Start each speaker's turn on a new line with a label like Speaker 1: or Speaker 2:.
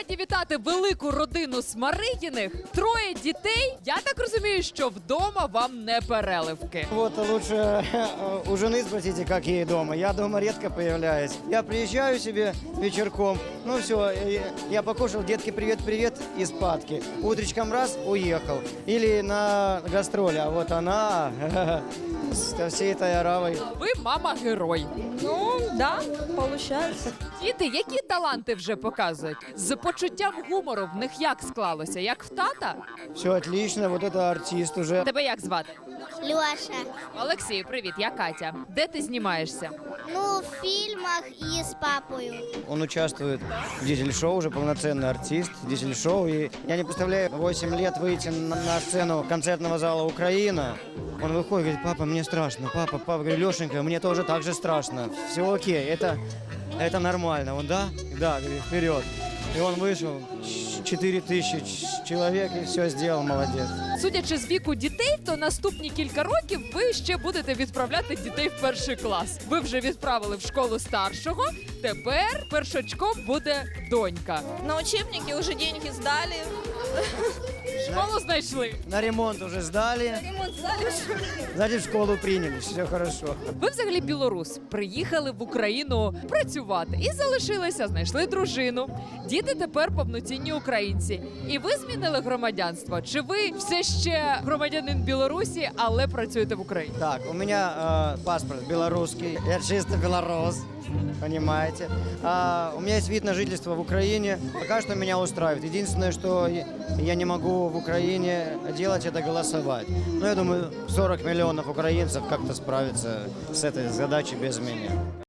Speaker 1: Раді вітати велику родину Смаригіних. Троє дітей. Я так розумію, що вдома вам не переливки.
Speaker 2: Вот лучше у жены спросите, как ей дома. Я дома редко появляюсь. Я приезжаю себе вечерком, ну все, я покушал, детки, привет-привет, и спадки. Утречком раз, уехал. Или на гастроли, а вот она со всей этой оравой.
Speaker 1: Ви мама-герой.
Speaker 3: Ну, да, получается.
Speaker 1: Діти, які таланти вже показують? З почуттям гумору в них як склалося? Як в тата?
Speaker 2: Все отлично, вот это артист уже.
Speaker 1: Тебе як звати?
Speaker 4: Лёша.
Speaker 1: Олексій, привіт, я Катя. Де ти знімаєшся?
Speaker 4: Ну, в фильмах и с папой.
Speaker 2: Он участвует в дизель-шоу, уже полноценный артист, дизель-шоу. И я не представляю, 8 лет выйти на сцену концертного зала «Украина». Он выходит, говорит: папа, мне страшно, папа, говорю, Лешенька, мне тоже так же страшно. Все окей, это нормально. Он, да, говорит, вперед. И он вышел, 4000 человек, и все сделал, молодец.
Speaker 1: Судячи з віку дітей, то наступні кілька років ви ще будете відправляти дітей в перший клас. Ви вже відправили в школу старшого, тепер першачком буде донька.
Speaker 3: На учебники уже деньги сдали.
Speaker 1: Школу знайшли.
Speaker 2: На ремонт уже сдали,
Speaker 3: Ремонт сдали.
Speaker 2: сзади в школу приняли, все хорошо.
Speaker 1: Ви взагалі білорус, приїхали в Україну працювати і залишилися, знайшли дружину. Діти тепер повноцінні українці. І ви змінили громадянство? Чи ви все ще громадянин Білорусі, але працюєте в Україні?
Speaker 2: Так, у меня паспорт белорусский, я чисто белорус, понимаете. У меня есть вид на жительство в Украине, пока что меня устраивает. Единственное, что я не могу в Украине делать, это голосовать. Но я думаю, 40 миллионов украинцев как-то справятся с этой задачей без меня.